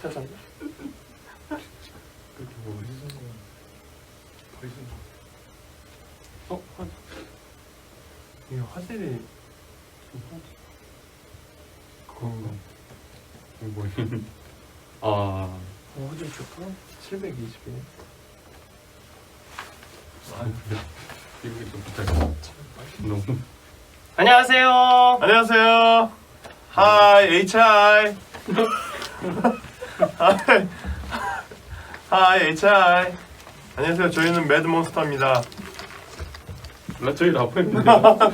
켜졌네. 그렇게 뭐 어디서 이거 화질이 그건가? 이거 아 화질 좋다. 720이네. 이거 좀 부탁해. 너무 안녕하세요. 안녕하세요. 하이 HI. 하이 HI. 안녕하세요. 저희는 매드몬스터입니다. 나 저희 라포했는데.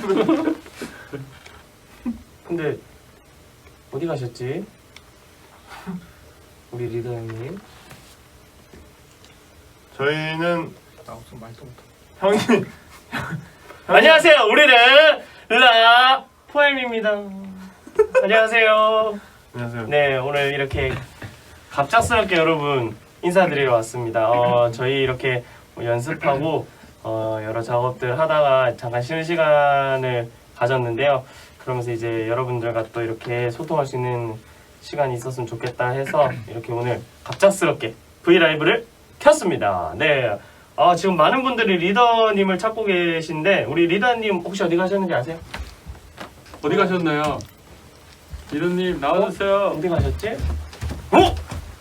근데 어디 가셨지? 우리 리더 형님. 저희는 나 무슨 말도 못해. 형님 안녕하세요. 우리는 라포엠입니다. 안녕하세요. 안녕하세요. 네, 오늘 이렇게 갑작스럽게 여러분 인사드리러 왔습니다. 저희 이렇게 연습하고 여러 작업들 하다가 잠깐 쉬는 시간을 가졌는데요. 그러면서 이제 여러분들과 또 이렇게 소통할 수 있는 시간이 있었으면 좋겠다 해서 이렇게 오늘 갑작스럽게 브이라이브를 켰습니다. 네, 지금 많은 분들이 리더님을 찾고 계신데 우리 리더님 혹시 어디 가셨는지 아세요? 어디 가셨나요? 이런님 나와주세요. 어디 가셨지? 어?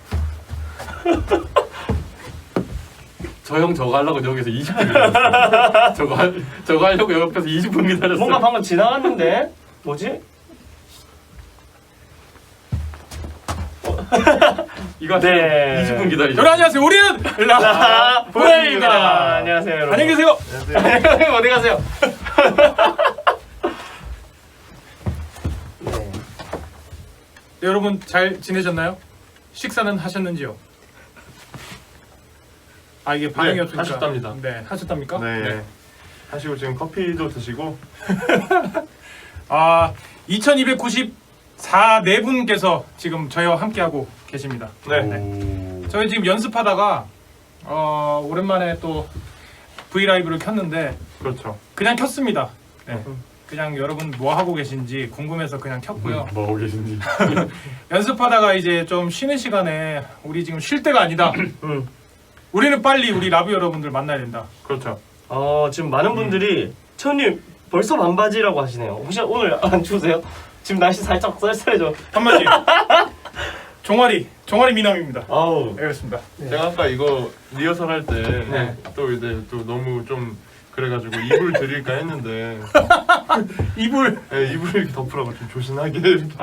저 형 저거 하려고 여기서 20분 기다렸어. 저거 하려고 옆에서 20분 기다렸어. 뭔가 방금 지나갔는데 뭐지? 이거 네. 20분 기다리죠. 여러분 안녕하세요. 우리는 보입니다. 안녕하세요, 여러분. 안녕히 계세요. 안녕하세요. 어디 가세요? 네. 네, 여러분 잘 지내셨나요? 식사는 하셨는지요? 아 이게 반응이 네, 없으니까 하셨답니다. 네, 하셨답니까? 네. 하시고 지금 커피도 드시고 아 2294 네 분께서 지금 저희와 함께하고 계십니다. 네. 저희 지금 연습하다가 오랜만에 또 브이라이브를 켰는데 그렇죠. 그냥 켰습니다. 네. 그냥 여러분 뭐 하고 계신지 궁금해서 그냥 켰고요. 뭐 하고 계신지. 연습하다가 이제 좀 쉬는 시간에 우리 지금 쉴 때가 아니다. 우리는 빨리 우리 라브 여러분들 만나야 된다. 그렇죠. 지금 많은 분들이 천님 벌써 반바지라고 하시네요. 혹시 오늘 안 추우세요? 지금 날씨 살짝 쌀쌀해져. 한마디. 종아리 미남입니다. 아우. 네, 그렇습니다. 제가 아까 이거 리허설 할 때 또 네. 이제 또 너무 좀 그래가지고 이불 드릴까 했는데 이불. 네, 이불 이렇게 덮으라고 좀 조신하게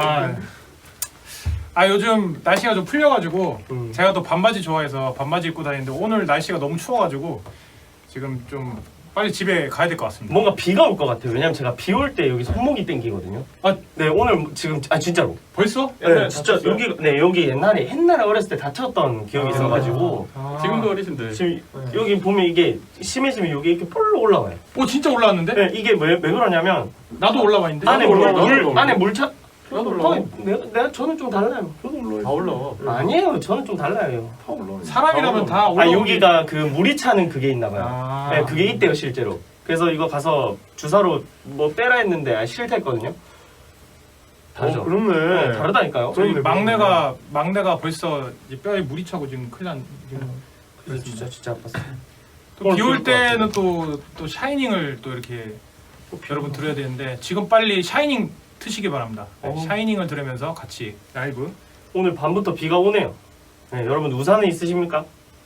아 요즘 날씨가 좀 풀려가지고 제가 또 반바지 좋아해서 반바지 입고 다니는데 오늘 날씨가 너무 추워가지고 지금 좀 빨리 집에 가야 될 것 같습니다. 뭔가 비가 올 것 같아요. 왜냐면 제가 비 올 때 여기 손목이 땡기거든요. 네, 오늘 지금 진짜로. 벌써? 네, 진짜 여기 옛날에 어렸을 때 다쳤던 기억이 있어가지고 지금도 어리신데. 지금 여기 보면 이게 심해지면 여기 이렇게 폴로 올라와요. 오 진짜 올라왔는데? 네, 이게 왜 그러냐면 나도 올라와 있는데. 안에 올라와. 안에 물차. 나도 올라와. 저는 좀 달라요. 저도 올라와요. 다 올라와. 아니에요, 저는 좀 달라요. 다 올라와요. 사람이라면 다 올라. 여기가 그 물이 차는 그게 있나봐요. 아. 네, 그게 있대요 실제로. 그래서 이거 가서 주사로 뭐 빼라 했는데 싫댔거든요. 다르죠. 그렇네. 네, 다르다니까요. 저희 그렇네, 막내가 벌써 이제 뼈에 물이 차고 지금 큰일 난. 그래서 진짜 아팠어요. 비 올 때는 또 샤이닝을 또 이렇게 여러분 들어야 되는데 지금 빨리 샤이닝 트시기 바랍니다. 네, 샤이닝을 들으면서 같이 라이브. 오늘 밤부터 비가 오네요. 네, 여러분 우산은 있으십니까?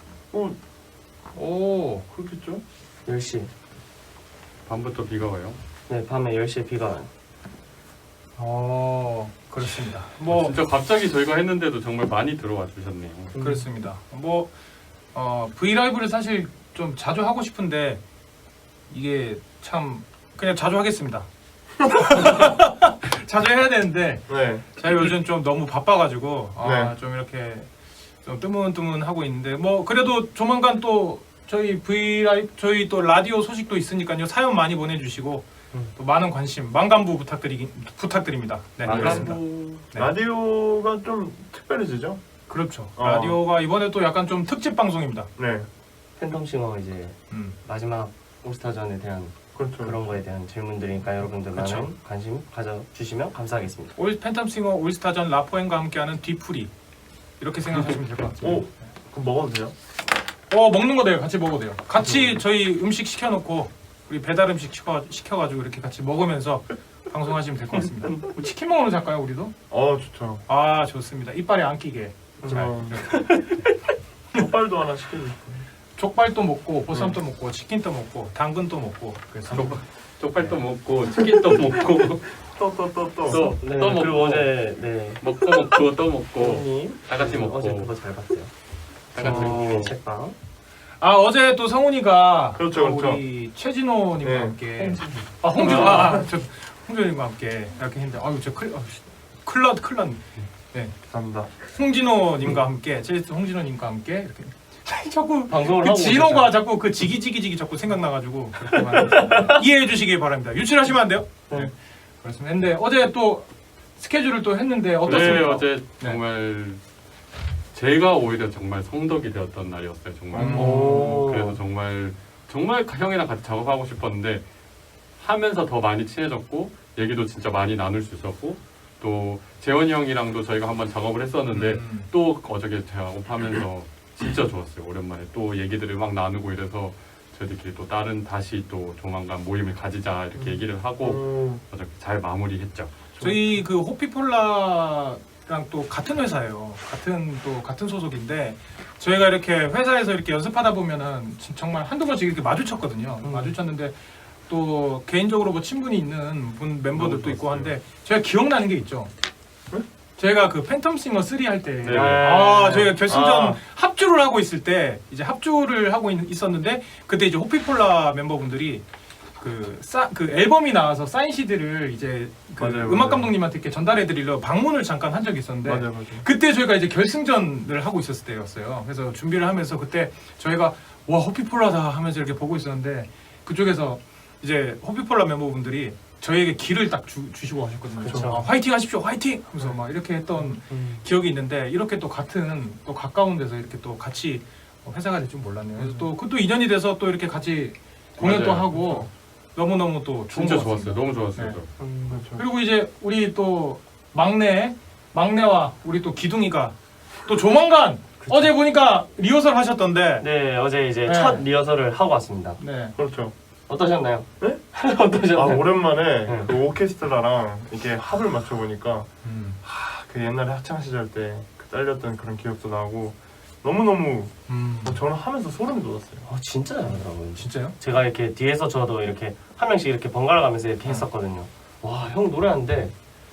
오. 그렇겠죠? 10시. 밤부터 비가 와요. 네, 밤에 10시에 비가 와요. 그렇습니다. 뭐 진짜 갑자기 저희가 했는데도 정말 많이 들어와 주셨네요. 그렇습니다. 뭐 브이라이브를 사실 좀 자주 하고 싶은데 이게 참 그냥 자주 하겠습니다. 자주 해야 되는데 네. 제가 요즘 좀 너무 바빠가지고 네. 좀 이렇게 좀 뜨문뜨문 하고 있는데 뭐 그래도 조만간 또 저희 저희 또 라디오 소식도 있으니까요. 사연 많이 보내주시고 또 많은 관심 만감부 부탁드립니다. 네, 그렇습니다. 네. 라디오가 좀 특별해지죠? 그렇죠. 라디오가 이번에 또 약간 좀 특집 방송입니다. 네. 팬텀싱어 이제 음. 마지막 올스타전에 대한 그렇죠. 그런 거에 대한 질문들이니까 여러분들 그렇죠. 많은 관심 가져주시면 감사하겠습니다. 팬텀싱어 올스타전 라포엔과 함께하는 뒤풀이 이렇게 생각하시면 될 것 같습니다. 오, 그럼 먹어도 돼요? 먹는 거 돼요. 같이 먹어도 돼요. 같이 저희 음식 시켜놓고 우리 배달 음식 시켜가지고 이렇게 같이 먹으면서 방송하시면 될 것 같습니다. 뭐 치킨 먹으러 갈까요, 우리도? 좋죠. 아, 좋습니다. 이빨에 안 끼게. 잘. 족발도 하나 시켜주세요. 족발도 먹고 보쌈도 먹고 치킨도 먹고 당근도 먹고 그래서 쪽발도 먹고 치킨도 먹고 또. 네, 또 그리고 먹고. 어제 네. 먹고 또 먹고 성우님 다 같이 먹고. 어제 그거 잘 봤어요. 다 같이 성우님의 책방. 어제 또 성훈이가 그렇죠, 또 그렇죠. 우리 최진호님과 네. 함께 홍준호님과 함께 이렇게 했는데 저 큰일 났네. 네. 감사합니다. 홍진호님과 함께 홍진호님과 함께 이렇게 자꾸 방송을 그 하고 진호가 자꾸 그 지기지기지기 자꾸 생각나가지고 이해해 주시기 바랍니다. 유출하시면 안 돼요. 네. 그렇습니다. 근데 어제 또 스케줄을 또 했는데 네, 어떻습니까? 어제 정말 제가 오히려 정말 성덕이 되었던 날이었어요. 정말. 오. 그래서 정말 형이랑 같이 작업하고 싶었는데 하면서 더 많이 친해졌고 얘기도 진짜 많이 나눌 수 있었고 또 재원이 형이랑도 저희가 한번 작업을 했었는데 또 어저께 작업하면서 진짜 좋았어요. 오랜만에 또 얘기들을 막 나누고 이래서 저희들끼리 또 다시 또 조만간 모임을 가지자 이렇게 얘기를 하고 어저께 잘 마무리했죠. 저희 그 호피폴라랑 또 같은 회사예요. 같은 소속인데 저희가 이렇게 회사에서 이렇게 연습하다 보면은 정말 한두 번씩 이렇게 마주쳤거든요. 마주쳤는데 또 개인적으로 뭐 친분이 있는 멤버들도 있고 한데 제가 기억나는 게 있죠. 저희가 그 팬텀싱어 3 할 때 네. 저희가 결승전 합주를 하고 있을 때 이제 합주를 하고 있었는데 그때 이제 호피폴라 멤버분들이 그 앨범이 나와서 사인 CD를 이제 그 맞아요, 음악 맞아요. 감독님한테 이렇게 전달해 드리려 방문을 잠깐 한 적이 있었는데 맞아요. 그때 저희가 이제 결승전을 하고 있었을 때였어요. 그래서 준비를 하면서 그때 저희가 와 호피폴라다 하면서 이렇게 보고 있었는데 그쪽에서 이제 호피폴라 멤버분들이 저희에게 기를 딱 주시고 하셨거든요. 그쵸. 화이팅 하십시오, 화이팅! 하면서 막 이렇게 했던 기억이 있는데 이렇게 또 또 가까운 데서 이렇게 또 같이 회사가 될 줄 몰랐네요. 그래서 또 그것도 인연이 돼서 또 이렇게 같이 공연도 맞아요. 하고 너무너무 또 좋은 진짜 것 같습니다. 좋았어요. 너무 좋았어요. 네. 그렇죠. 그리고 이제 우리 또 막내와 우리 또 기둥이가 또 조만간 어제 보니까 리허설 하셨던데 네, 어제 이제 네. 첫 리허설을 하고 왔습니다. 네. 그렇죠. 어떠셨나요? 네? 어떠셨나요? 오랜만에 네. 그 오케스트라랑 이렇게 합을 맞춰 보니까 그 옛날에 학창 시절 때 그 딸렸던 그런 기억도 나고 너무너무 저는 하면서 소름이 돋았어요. 진짜 잘하더라고요. 진짜요? 제가 이렇게 뒤에서 저도 이렇게 한 명씩 이렇게 번갈아 가면서 이렇게 했었거든요. 와, 형 노래하는데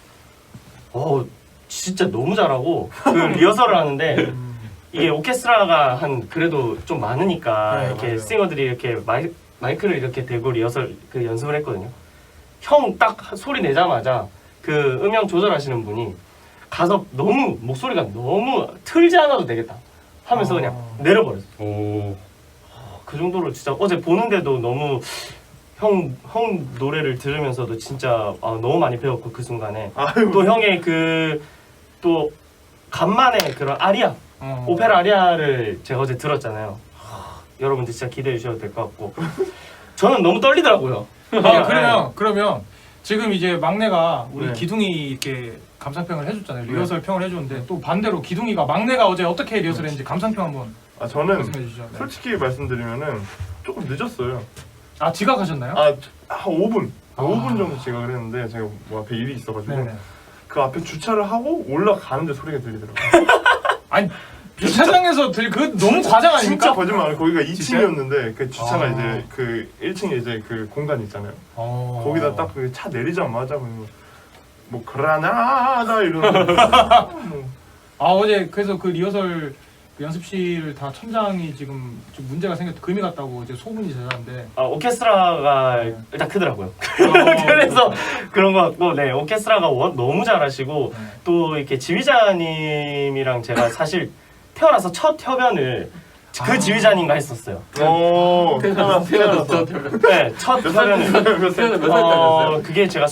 진짜 너무 잘하고 그 리허설을 하는데 이게 오케스트라가 한 그래도 좀 많으니까 네, 이렇게 맞아요. 싱어들이 이렇게 마이크를 이렇게 대고 리허설 그 연습을 했거든요. 형 딱 소리 내자마자 그 음영 조절하시는 분이 가서 너무 목소리가 너무 틀지 않아도 되겠다 하면서 그냥 내려버렸어요. 오. 그 정도로 진짜 어제 보는데도 너무 형 노래를 들으면서도 진짜 너무 많이 배웠고 그 순간에 아유, 또 형의 또 간만에 그런 아리아 오페라 아리아를 제가 어제 들었잖아요. 여러분들 진짜 기대해 주셔도 될 것 같고 저는 너무 떨리더라고요. 그러면 지금 이제 막내가 우리 네. 기둥이 이렇게 감상평을 해줬잖아요. 리허설 평을 해줬는데 또 반대로 기둥이가 막내가 어제 어떻게 리허설했는지 감상평 한번 저는 말씀해 주시죠. 네. 솔직히 말씀드리면은 조금 늦었어요. 지각하셨나요? 한 5분 5분 정도 지각을 했는데 제가 뭐 앞에 일이 있어가지고 네네. 그 앞에 주차를 하고 올라가는데 소리가 들리더라고요. 아니 주차장에서 그 너무 과장 아닙니까? 진짜 거짓말. 거기가 2층이었는데 그 주차가 아. 이제 그 1층에 이제 그 공간 있잖아요. 거기다 딱 그 차 내리자마자 뭐 그라나다 이러는 어제 그래서 그 리허설 그 연습실 다 천장이 지금 좀 문제가 생겼다 금이 갔다고 이제 소문이 제자는데 오케스트라가 일단 크더라고요. 그래서 그런 것 같고 네 오케스트라가 너무 잘하시고 네. 또 이렇게 지휘자님이랑 제가 사실 태어나서 첫 협연을 그 지휘자님과 했었어요. 태어나서 네, 첫 협연을 몇 살 때였어요? 그게 제가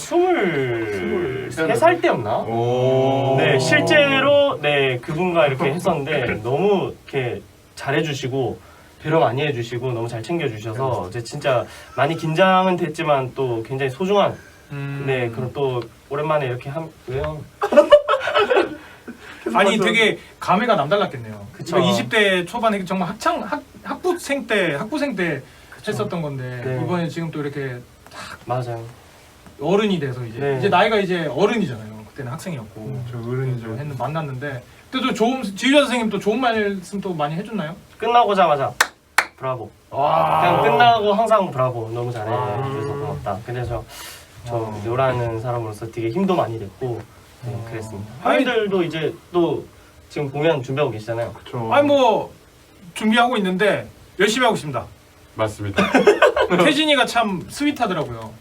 23살 때였나? 오. 네, 실제로 네 그분과 이렇게 했었는데 너무 이렇게 잘해주시고 배려 많이 해주시고 너무 잘 챙겨주셔서 이제 진짜 많이 긴장은 됐지만 또 굉장히 소중한 네 그런 또 오랜만에 이렇게 왜요? 아니 되게 감회가 남달랐겠네요. 그쵸. 20대 초반에 정말 학부생 때 했었던 건데 네. 이번에 지금 또 이렇게 맞아요. 어른이 돼서 이제 네. 이제 나이가 이제 어른이잖아요. 그때는 학생이었고 저 어른이죠. 만났는데 그때도 좋은 지휘자 선생님 또 좋은 말씀 또 많이 해줬나요? 끝나고자마자 브라보. 와 그냥 끝나고 항상 브라보. 너무 잘해. 아. 그래서 고맙다. 그래서 저 요라는 사람으로서 되게 힘도 많이 됐고 네, 그랬습니다. 형님들도 이제 또 지금 공연 준비하고 계시잖아요. 그쵸. 아니 뭐 준비하고 있는데 열심히 하고 있습니다. 맞습니다. 태진이가 참 스윗하더라고요.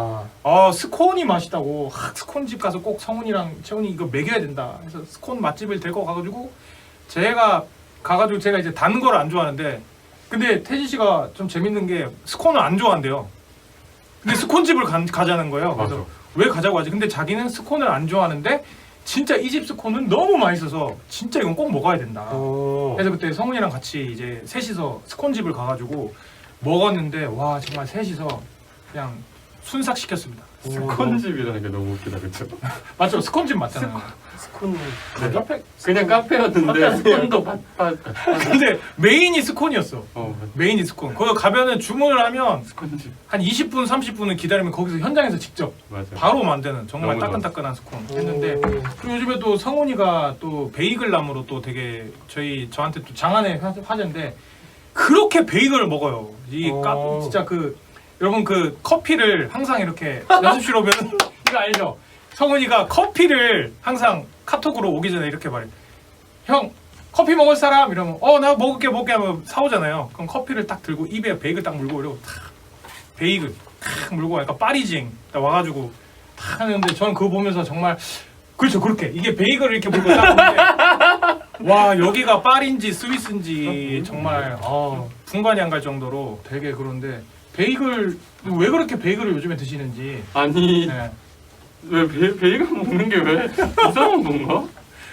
스콘이 맛있다고 스콘집 가서 꼭 성훈이랑 채훈이 이거 먹여야 된다. 그래서 스콘 맛집을 데리고 가가지고 제가 이제 단 걸 안 좋아하는데 근데 태진 씨가 좀 재밌는 게 스콘을 안 좋아한대요. 근데 스콘집을 가자는 거예요. 그래서 맞아. 왜 가자고 하지? 근데 자기는 스콘을 안 좋아하는데 진짜 이 집 스콘은 너무 맛있어서 진짜 이건 꼭 먹어야 된다. 그래서 그때 성훈이랑 같이 이제 셋이서 스콘집을 가가지고 먹었는데 와 정말 셋이서 그냥 순삭시켰습니다. 스콘집이라는 게 너무 웃기다, 그쵸? 맞죠? 스콘집 맞잖아요. 스콘 카페. 그냥 카페였는데 스콘도 팥. 근데 메인이 스콘이었어. 메인이 스콘. 거기 가면은 주문을 하면 스콘집. 한 20분, 30분은 기다리면 거기서 현장에서 직접 맞아. 바로 만드는 정말 너무 따끈따끈한 스콘 했는데 그리고 요즘에 또 성훈이가 또 베이글 나무로 또 되게 저한테 또 장안의 화제인데 그렇게 베이글을 먹어요. 진짜 여러분 그 커피를 항상 이렇게 연습실 오면 이거 알죠? 성훈이가 커피를 항상 카톡으로 오기 전에 이렇게 말해. 형 커피 먹을 사람 이러면 나 먹을게 하면 사오잖아요. 그럼 커피를 딱 들고 입에 베이글 딱 물고 이러고 탁 베이글 탁 물고 약간 파리징 딱 와가지고 탁 하는데 저는 그거 보면서 정말 그렇죠 그렇게 이게 베이글을 이렇게 물고 딱 보는데 와 여기가 파리인지 스위스인지 정말 분간이 안 갈 정도로 되게 그런데 베이글 왜 그렇게 베이글을 요즘에 드시는지 아니 네. 왜 베이글 먹는 게 왜 이상한 건가?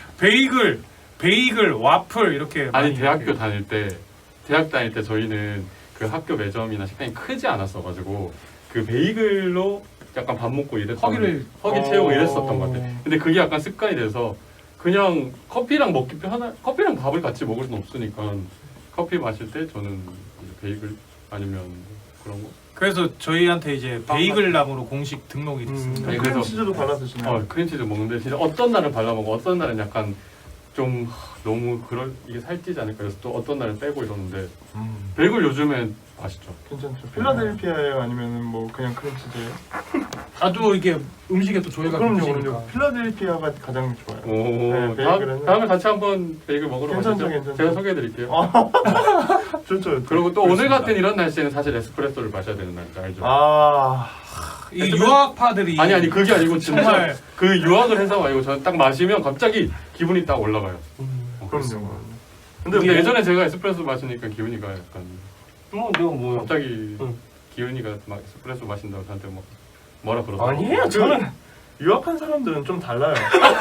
베이글 와플 이렇게 아니 많이 대학 이렇게. 다닐 때 저희는 그 학교 매점이나 식당이 크지 않았어가지고 그 베이글로 약간 밥 먹고 이랬던 허기 채우고 이랬었던 것 같아. 근데 그게 약간 습관이 돼서 그냥 커피랑 커피랑 밥을 같이 먹을 순 없으니까 커피 마실 때 저는 이제 베이글 아니면 그런 거. 그래서 저희한테 이제 베이글 나무로 공식 등록이 됐습니다. 아니, 크림 그래서- 치즈도 발라 드시나요? 크림치즈 먹는데 진짜 어떤 날은 발라 먹고 어떤 날은 약간 좀 너무 이게 살찌지 않을까 그래서 또 어떤 날은 빼고 이러는데 베이글 요즘엔 맛있죠. 괜찮죠. 필라델피아예요? 아니면은 뭐 그냥 크림 치즈예요? 아주 이게 음식에 또 조예가 그럼요. 깊으니까. 필라델피아가 가장 좋아요. 오, 네, 베이글은- 다음에 같이 한번 베이글 먹으러 괜찮죠, 가시죠. 괜찮죠. 제가 소개해드릴게요. 좋죠. 그리고 또 오늘 같은 이런 날씨에는 사실 에스프레소를 마셔야 되는 날이죠, 알죠? 이 유학파들이 아니 그게 아니고 진짜 정말 그 유학을 해서 아니고 저는 딱 마시면 갑자기 기분이 딱 올라가요. 그럼요. 근데 예전에 제가 에스프레소 마시니까 기분이가 약간 뭐 갑자기 응. 기훈이가 막 에스프레소 마신다고 저한테 막 뭐라 그러더라고요. 아니에요. 저는 유학한 사람들은 좀 달라요.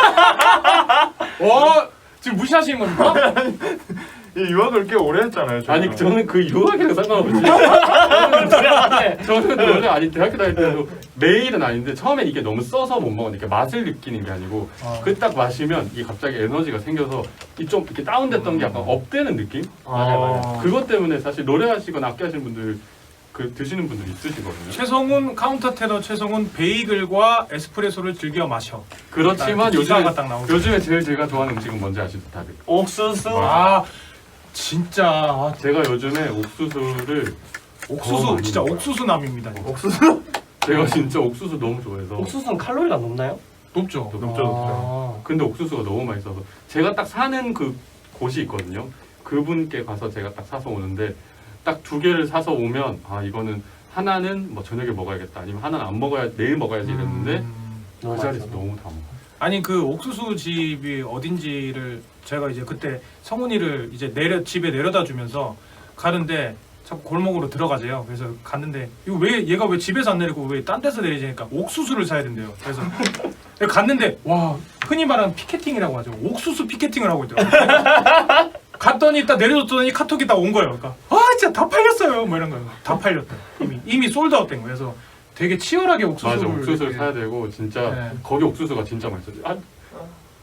지금 무시하시는 겁니까? 이 유학을 꽤 오래 했잖아요. 저희가. 아니 저는 그 유학이랑 상관없이 저는 원래 아니 대학교 다닐 때도 매일은 아닌데 처음엔 이게 너무 써서 못 먹으니까 맛을 느끼는 게 아니고 그 딱 마시면 이게 갑자기 에너지가 생겨서 이 좀 이렇게 다운됐던 게 약간 업되는 느낌? 맞아요. 그것 때문에 사실 노래하시거나 악기하시는 분들 드시는 분들이 있으시거든요. 최성훈 카운터 테너 최성훈 베이글과 에스프레소를 즐겨 마셔. 그렇지만 기사가 딱 나오죠. 요즘에 제일 제가 좋아하는 음식은 뭔지 아시죠 다들? 옥수수. 진짜 제가 요즘에 옥수수를 옥수수 많이 진짜 먹어요. 옥수수남입니다. 옥수수? 제가 진짜 옥수수 너무 좋아해서 옥수수는 칼로리가 높나요? 높죠. 높죠. 근데 옥수수가 너무 맛있어서 제가 딱 사는 그 곳이 있거든요. 그분께 가서 제가 딱 사서 오는데 딱 2개를 사서 오면 이거는 하나는 뭐 저녁에 먹어야겠다 아니면 하나는 안 먹어야 내일 먹어야지 이랬는데 그 자리에서 너무 다 먹어. 아니 그 옥수수 집이 어딘지를 제가 이제 그때 성훈이를 이제 집에 내려다 주면서 가는데 자꾸 골목으로 들어가재요. 그래서 갔는데 이거 왜 얘가 왜 집에서 안 내리고 왜 딴 데서 내리지니까 옥수수를 사야 된대요. 그래서 갔는데 와 흔히 말하는 피케팅이라고 하죠. 옥수수 피케팅을 하고 있더라고요. 갔더니 딱 내려줬더니 카톡이 딱 온 거예요. 그러니까 진짜 다 팔렸어요. 뭐 이런 거예요. 다 팔렸다. 이미 솔드아웃된 거예요. 그래서 되게 치열하게 옥수수를 맞아 옥수수를 이렇게- 사야 되고 진짜 네. 거기 옥수수가 진짜 맛있어요.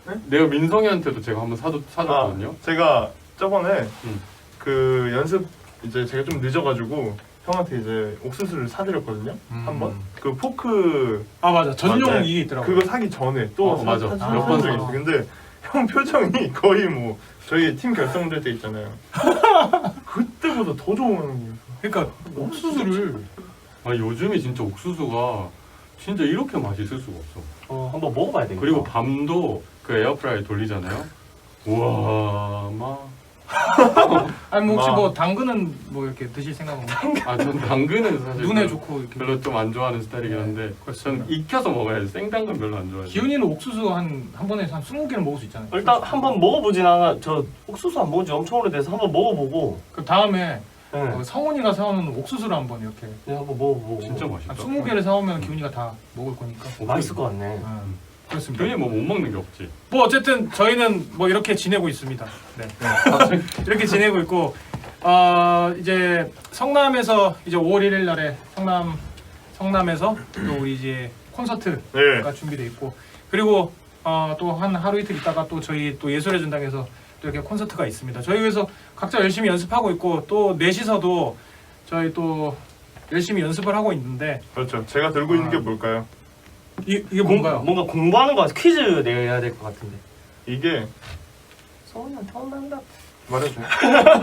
내가 민성이한테도 제가 한번 사줬거든요. 제가 저번에 음. 그 연습 이제 제가 좀 늦어가지고 형한테 이제 옥수수를 사드렸거든요. 한번 그 포크 아 맞아 전용 맞아요. 이게 있더라고. 그거 사기 전에 또 맞아. 몇 번 적이 있어. 근데 형 표정이 거의 뭐 저희 팀 결성될 때 있잖아요. 그때보다 더 좋은 거예요. 그러니까 옥수수를 아 요즘에 진짜 옥수수가 진짜 이렇게 맛있을 수가 없어. 한번 먹어봐야 되겠다. 그리고 밤도 그 에어프라이 돌리잖아요. 우와 막. 아니 뭐 혹시 마. 뭐 당근은 뭐 이렇게 드실 생각은 전 당근은 사실 눈에 좋고 이렇게. 별로 좀 안 좋아하는 스타일이긴 한데 그렇습니다. 전 익혀서 먹어야지 생당근 별로 안 좋아해요. 기훈이는 옥수수 한 번에 한 20개는 먹을 수 있잖아요. 일단 한번 먹어보진 않아. 저 옥수수 안 먹은 지 엄청 오래돼서 한번 먹어보고. 그 다음에 네. 성훈이가 사오는 옥수수를 한번 이렇게 네, 한번 먹어보고. 진짜 맛있다. 한 20개를 사오면 기훈이가 다 먹을 거니까. 맛있을 것 같네. 그렇습니다. 괜히 뭐 못 먹는 게 없지. 뭐 어쨌든 저희는 뭐 이렇게 지내고 있습니다. 네. 이렇게 지내고 있고 이제 성남에서 이제 5월 1일 날에 성남에서 또 우리 이제 콘서트가 네. 준비돼 있고 그리고 또 한 하루 이틀 있다가 또 저희 또 예술의 전당에서 또 이렇게 콘서트가 있습니다. 저희 그래서 각자 열심히 연습하고 있고 또 넷이서도 저희 또 열심히 연습을 하고 있는데 그렇죠. 제가 들고 있는 게 뭘까요? 이게 뭔가요? 뭔가 공부하는 거 같아. 퀴즈 내야 될 것 같은데. 이게 성훈이한테 혼난다. 말해도 돼요?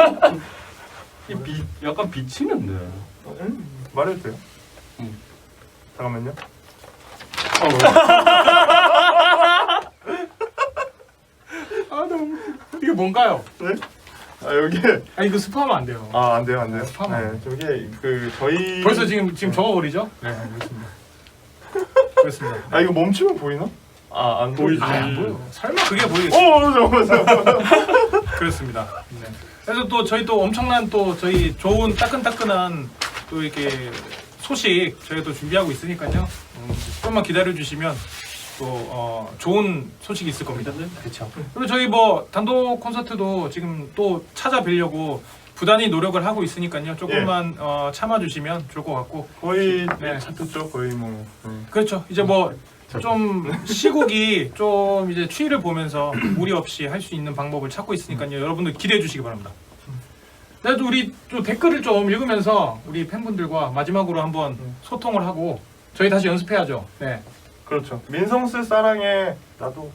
약간 비치는데. 말해도 돼요? 응. 잠깐만요. 너무 이게 뭔가요? 네? 여기 이거 스포하면 안 돼요. 안 돼요, 안 돼요. 파마. 네, 저기 그 저희 벌써 지금 적어버리죠? 네, 그렇습니다. 그렇습니다. 이거 멈추면 보이나? 안 보이지. 안 보여. 설마 그게 보이겠어? 잠깐만. 그렇습니다. 네. 그래서 또 저희 또 엄청난 또 저희 좋은 따끈따끈한 또 이렇게 소식 저희가 또 준비하고 있으니까요. 조금만 기다려 주시면 또 좋은 소식이 있을 겁니다. 그렇죠. 그리고 저희 뭐 단독 콘서트도 지금 또 찾아뵈려고 부단히 노력을 하고 있으니까요. 조금만 참아주시면 좋을 것 같고. 거의 네. 차트죠, 거의 뭐. 그렇죠. 이제 뭐 좀 시국이 좀 이제 추위를 보면서 무리 없이 할 수 있는 방법을 찾고 있으니까요. 여러분들 기대해 주시기 바랍니다. 그래도 우리 좀 댓글을 좀 읽으면서 우리 팬분들과 마지막으로 한번 소통을 하고 저희 다시 연습해야죠. 네. 그렇죠. 민성스 사랑해. 나도.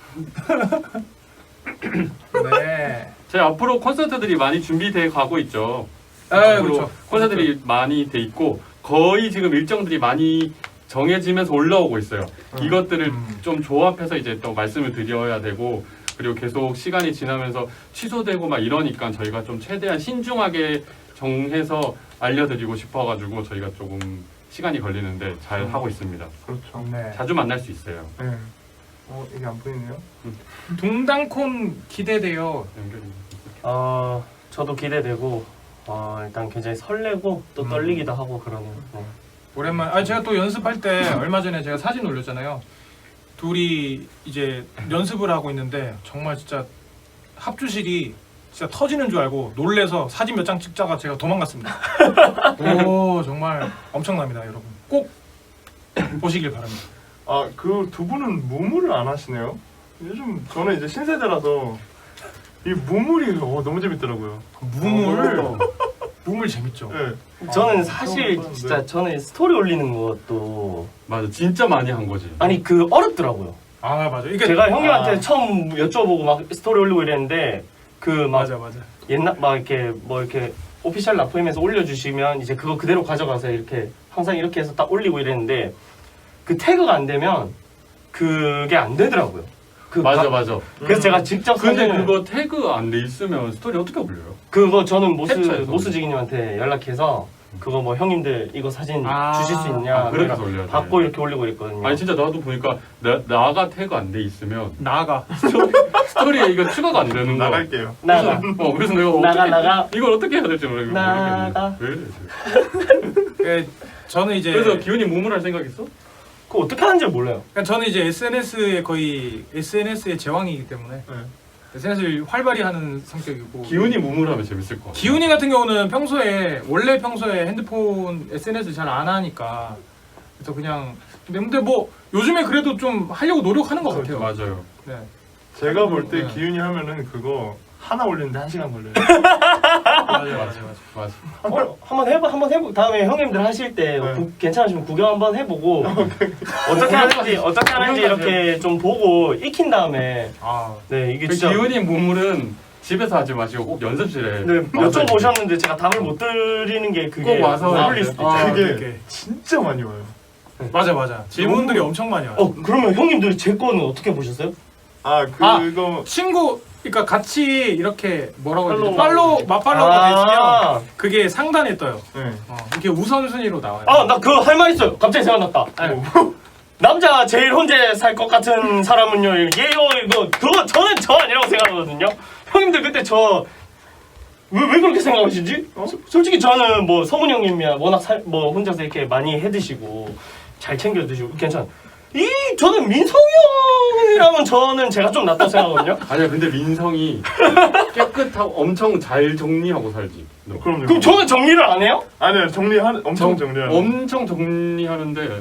네. 저희 앞으로 콘서트들이 많이 준비돼 가고 있죠. 아, 앞으로 그렇죠. 콘서트들이 많이 돼 있고 거의 지금 일정들이 많이 정해지면서 올라오고 있어요. 이것들을 좀 조합해서 이제 또 말씀을 드려야 되고 그리고 계속 시간이 지나면서 취소되고 막 이러니까 저희가 좀 최대한 신중하게 정해서 알려드리고 싶어가지고 저희가 조금 시간이 걸리는데 잘 하고 있습니다. 그렇죠. 네. 자주 만날 수 있어요. 네. 이게 안 보이네요. 동당콘 기대돼요. 연결이. 저도 기대되고 일단 굉장히 설레고 또 떨리기도 하고 그러네요. 네. 오랜만. 제가 또 연습할 때 얼마 전에 제가 사진 올렸잖아요. 둘이 이제 연습을 하고 있는데 정말 진짜 합주실이 진짜 터지는 줄 알고 놀래서 사진 몇 장 찍다가 제가 도망갔습니다. 오 정말 엄청납니다, 여러분. 꼭 보시길 바랍니다. 그 두 분은 무물을 안 하시네요. 요즘 저는 이제 신세대라서 이 무물이 너무 재밌더라고요. 무물 재밌죠. 네. 저는 사실 그런 진짜 저는 스토리 올리는 것도 맞아, 진짜 많이 한 거지. 아니 어렵더라고요. 맞아. 이게 제가 형님한테 처음 여쭤보고 막 스토리 올리고 이랬는데 맞아. 옛날 막 이렇게 뭐 이렇게 오피셜 라포임에서 올려주시면 이제 그거 그대로 가져가서 이렇게 항상 이렇게 해서 딱 올리고 이랬는데 그 태그가 안 되면 그게 안 되더라고요. 맞아. 그래서 제가 직접 근데 사진을 그거 태그 안 돼 있으면 스토리 어떻게 올려요? 그거 저는 캡처해서 모스지기님한테 연락해서 그거 뭐 형님들 이거 사진 주실 수 있냐 그렇게 해서 올려야 돼. 받고 이렇게 올리고 있거든요. 아니 진짜 나도 보니까 나가 태그 안 돼 있으면 나가. 스토리에 이거 추가가 안 되는 거. 나갈게요. 나가 그래서 내가 나가 이걸 어떻게 해야 될지 모르겠는데. 나가. 왜 이래? 저는 이제 그래서 기훈이 무물할 생각 있어? 그거 어떻게 하는지 몰라요. 그러니까 저는 이제 SNS의 제왕이기 때문에 네. SNS를 활발히 하는 성격이고 기훈이 무물하면 재밌을 것 같아. 기훈이 같은 경우는 평소에 핸드폰 SNS 잘 안 하니까 그래서 그냥 근데 뭐 요즘에 그래도 좀 하려고 노력하는 것 같아요. 맞아요. 네. 제가 볼 때 기훈이 하면은 그거 하나 올리는데 1시간 걸려요. 맞아. 한번 해보. 다음에 형님들 하실 때 네. 괜찮으시면 구경 한번 해보고 어떻게 하는지 이렇게 좀 보고 익힌 다음에 네 이게 그 진짜 기훈이 무물은 집에서 하지 마시고 꼭 연습실에 네, 여쭤보셨는데 제가 답을 못 드리는 게 그게 꼭 와서 어울릴 수도 있죠. 그게 진짜 많이 와요. 맞아. 질문들이 엄청 많이 와요. 그러면 형님들 제 거는 어떻게 보셨어요? 그거 친구 그러니까 같이 이렇게 뭐라고 해야 되지? 팔로우. 맞팔로우가 되시면 그게 상단에 떠요. 네. 이렇게 우선순위로 나와요. 나 그거 할 말 있어요. 갑자기 생각났다. 남자 제일 혼자 살 것 같은 사람은요. 얘요 이거 그거 저는 저 아니라고 생각하거든요. 형님들 그때 저 왜 그렇게 생각하시지? 솔직히 저는 뭐 성훈 형님이야 워낙 뭐 혼자서 이렇게 많이 해 드시고 잘 챙겨 드시고 괜찮아. 저는 민성이 형이라면 저는 제가 좀 낫다고 생각하거든요. 아니야 근데 민성이 깨끗하고 엄청 잘 정리하고 살지. 너. 그럼요. 그럼 저는 정리를 안 해요? 아니요 엄청 정리하는. 엄청 정리하는데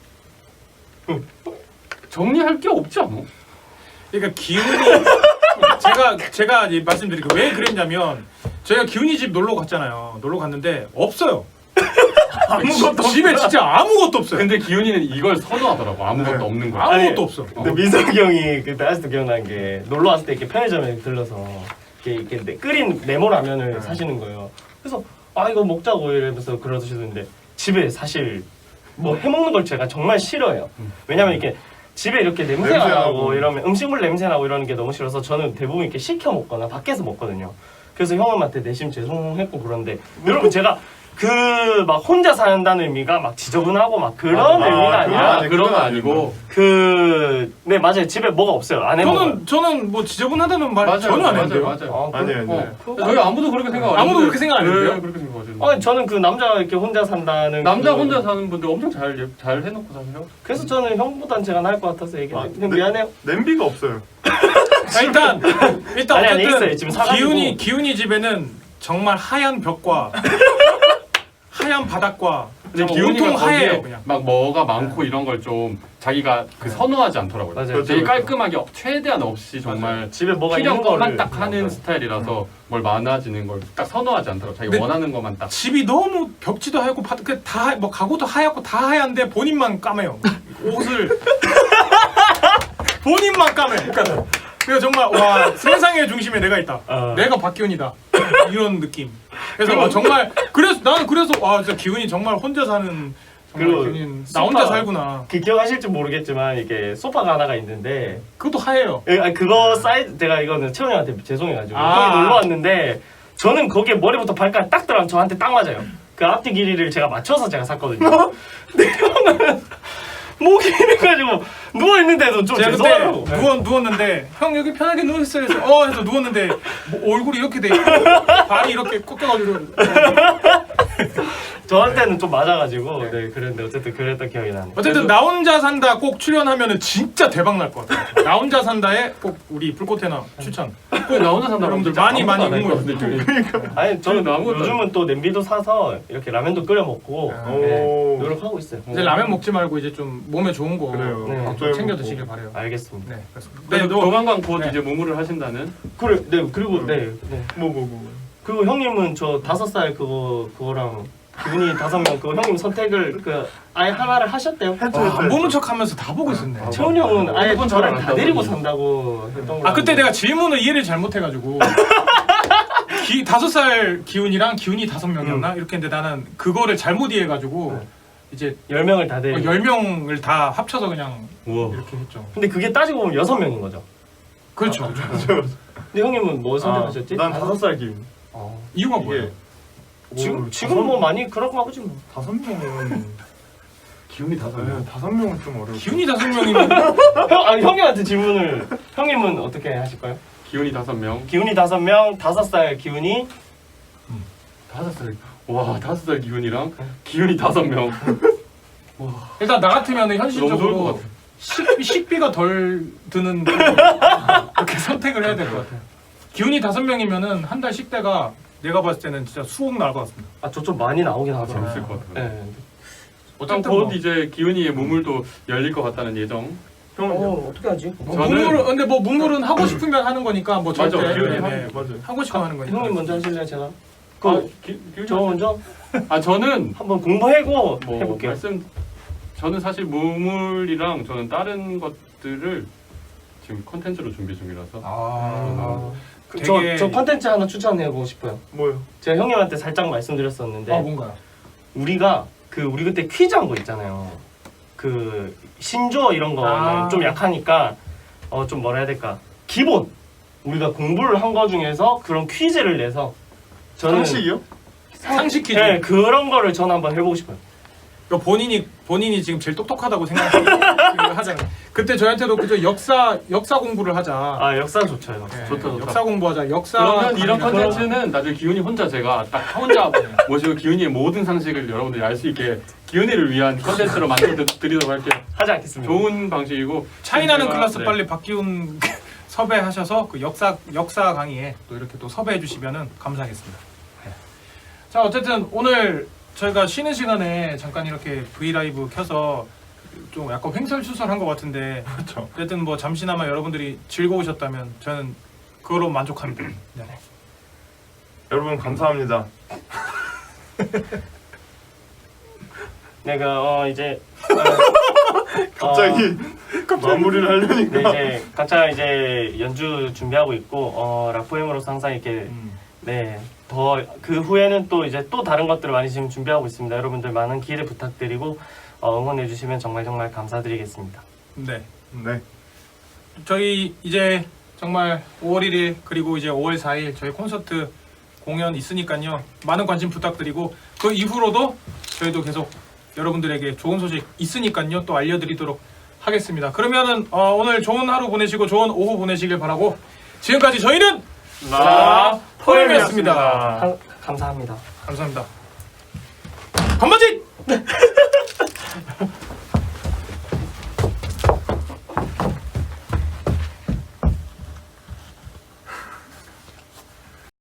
정리할 게 없지 않아? 그러니까 기훈이 제가 이제 말씀드릴게요. 왜 그랬냐면 저희가 기훈이 집 놀러 갔잖아요. 놀러 갔는데 없어요. 아무것도 집에 진짜 아무것도 없어요. 근데 기훈이는 이걸 선호하더라고. 아무것도 네. 없는 거. 아무것도 아니, 없어. 근데 민석이 형이 그때 아직도 기억나는 게 놀러 왔을 때 이렇게 편의점에 들러서 이렇게 끓인 네모라면을 사시는 거예요. 그래서 이거 먹자고 이러면서 그러시는데 집에 사실 뭐 해먹는 걸 제가 정말 싫어해요. 왜냐면 이렇게 집에 이렇게 냄새가 냄새 나고 나고. 이러면 음식물 냄새 나고 이러는 게 너무 싫어서 저는 대부분 이렇게 시켜 먹거나 밖에서 먹거든요. 그래서 형님한테 내심 죄송했고 그런데 여러분 제가 그 막 혼자 산다는 의미가 막 지저분하고 막 그런 의미가 아니라 그런 거 아니고 네 맞아요. 집에 뭐가 없어요. 안 해먹어요. 저는 뭐 지저분하다는 말 전혀 안 했는데요. 맞아요. 아니에요. 저희 아무도 그렇게 생각 안 해요. 아무도 그렇게 생각 안 했는데요? 네, 그렇게 생각하시는 아니 저는 그 남자 이렇게 혼자 산다는 남자 그- 혼자 사는 분들 엄청 잘 해놓고 사세요. 그래서 저는 형보단 제가 나을 것 같아서 얘기해요. 형 미안해요. 냄비가 없어요. 일단 아니, 있어요. 어쨌든 지금 사가지고. 기훈이 집에는 정말 하얀 벽과 하얀 바닥과 근데 정말 기훈이가 온통 하얘요 거기에 그냥. 막 뭐가 많고 이런 걸 좀 자기가 그 선호하지 않더라고요. 맞아요. 되게 그렇죠. 깔끔하게 최대한 없이 정말 집에 뭐가 필요한 있는 것만 거를 딱 하는 스타일이라서 뭘 많아지는 걸 딱 선호하지 않더라고. 자기 네. 원하는 것만 딱. 집이 너무 벽지도 하얗고 다뭐 가구도 하얗고 다 하얀데 본인만 까매요. 옷을 본인만 까매. 그러니까 정말 와 세상의 중심에 내가 있다. 내가 박기훈이다. 이런 느낌. 그래서 정말 나는 그래서 진짜 기훈이 정말 혼자 사는 그리고 기훈이 나 혼자 소파. 살구나. 그 기억하실지 모르겠지만 이게 소파가 하나가 있는데 그것도 하얘요. 그거 사이즈 제가 이거는 채원이 형한테 죄송해가지고 아. 형이 놀러 왔는데 저는 거기에 머리부터 발까지 딱 들어가면 저한테 딱 맞아요. 그 앞뒤 길이를 제가 맞춰서 제가 샀거든요. 근데 형은 목이 이래가지고 누워있는데도 좀 제가 죄송하고 그때 누웠는데 형 여기 편하게 누워있어요 해서 해서 누웠는데 뭐 얼굴이 이렇게 돼 있고 발이 이렇게 꺾여가지고 저한테는 좀 맞아가지고 네 그랬는데 어쨌든 그랬던 기억이 나네요. 어쨌든 나 혼자 산다 꼭 출연하면은 진짜 대박 날 것 같아요. 나 혼자 산다에 꼭 우리 불꽃해나 추천. 나 혼자 산다. 여러분들 많이 응원해 응원해. 아니 저는 아무것도 요즘은 또 냄비도 사서 이렇게 라면도 끓여 먹고 네, 오. 노력하고 있어요. 이제 라면 먹지 말고 이제 좀 몸에 좋은 거 그래요. 네. 갑자기 챙겨 먹고. 드시길 바래요. 알겠습니다. 네, 그렇습니다. 그래서 너 조만간 곧 네. 이제 무무를 하신다는. 그래, 네 그리고 네. 뭐. 그리고 형님은 저 5살 그거랑 기분이 5명 그거 형님 선택을 아예 하나를 하셨대요. 안 보는 척하면서 다 보고 있었네. 채훈이 형은 아예 그건 저를 잘 다 안 데리고 했다고. 산다고 했던 거. 그때 내가 질문을 이해를 잘못해가지고 5살 기훈이랑 기훈이 5명이었나 이렇게 했는데 나는 그거를 잘못 이해해가지고 이제 10명을 다 데리고. 10명을 다 합쳐서 그냥 우와. 이렇게 했죠. 근데 그게 따지고 보면 6명인 거죠. 그렇죠. 근데 형님은 뭐 선택하셨지? 난 5살 기훈. 이유가 뭐예요? 지금 뭐 많이 그런가 보지 뭐. 5명은 기훈이 5명. 5명은 좀 어려워. 기훈이 5명이면 형님한테 질문을 형님은 어떻게 하실 거예요? 기훈이 5명. 기훈이 5명, 5살 기훈이 5살. 와 5살 기훈이랑 기훈이 5명. 일단 나 같으면 너무 좋을 것 현실적으로 같아. 식비가 덜 드는 이렇게 선택을 해야 될 것 같아요. 기훈이 5명이면은 한 달 식대가 내가 봤을 때는 진짜 수억 나올 것 같습니다. 저 좀 많이 나오긴 하더라고요. 재밌을 것 같아요. 네. 어쨌든 어쨌든 곧 뭐. 이제 기훈이의 무물도 열릴 것 같다는 예정. 형은요? 어떻게 하지? 저는- 근데 뭐 문물은 하고 싶으면 하는 거니까 뭐 맞아, 절대 기운이 맞아요. 하고 싶으면 하는 거니까. 형님 먼저 하실래요, 제가? 아, 저 먼저 저는 한번 공부하고 뭐 해볼게요. 저는 사실 무물이랑 저는 다른 것들을 지금 컨텐츠로 준비 중이라서 아, 되게- 저 컨텐츠 하나 추천해보고 싶어요. 뭐요? 제가 형님한테 살짝 말씀드렸었는데 뭔가요? 우리가 우리 그때 퀴즈 한 거 있잖아요. 그 신조어 이런 거는 좀 약하니까 좀 뭐라 해야 될까? 기본 우리가 공부를 한 거 중에서 그런 퀴즈를 내서 저는 상식이요? 상식 퀴즈. 네, 그런 거를 저는 한번 해보고 싶어요. 그러니까 본인이 지금 제일 똑똑하다고 하잖아요. 그때 저한테도 그저 역사 공부를 하자. 아 역사 좋죠, 이거. 네, 좋다. 역사 공부하자. 역사. 그러면 이런 강의나 컨텐츠는 나중에 기훈이 혼자 제가 딱 혼자 모시고 기훈이의 모든 상식을 여러분들이 알 수 있게 기훈이를 위한 컨텐츠로 만들어 드리도록 할게요. 하지 않겠습니다. 좋은 방식이고 차이나는 제가- 클래스 네. 빨리 박기훈 섭외하셔서 그 역사 강의에 또 이렇게 또 섭외해 주시면은 감사하겠습니다. 네. 자 어쨌든 오늘 저희가 쉬는 시간에 잠깐 이렇게 V 라이브 켜서 좀 약간 횡설수설한 것 같은데 그렇죠. 어쨌든 뭐 잠시나마 여러분들이 즐거우셨다면 저는 그거로 만족합니다. 네. 여러분 감사합니다. 내가 이제 갑자기 마무리를 하려니까. 네, 이제 각자 이제 연주 준비하고 있고 라포엠으로서 항상 이렇게 네, 더 그 후에는 또 이제 또 다른 것들을 많이 지금 준비하고 있습니다. 여러분들 많은 기대 부탁드리고 응원해 주시면 정말 감사드리겠습니다. 네. 네. 저희 이제 정말 5월 1일 그리고 이제 5월 4일 저희 콘서트 공연 있으니까요. 많은 관심 부탁드리고 그 이후로도 저희도 계속 여러분들에게 좋은 소식 있으니까요. 또 알려드리도록 하겠습니다. 그러면은 오늘 좋은 하루 보내시고 좋은 오후 보내시길 바라고 지금까지 저희는 포엠이었습니다. 감사합니다. 감사합니다. 건반지!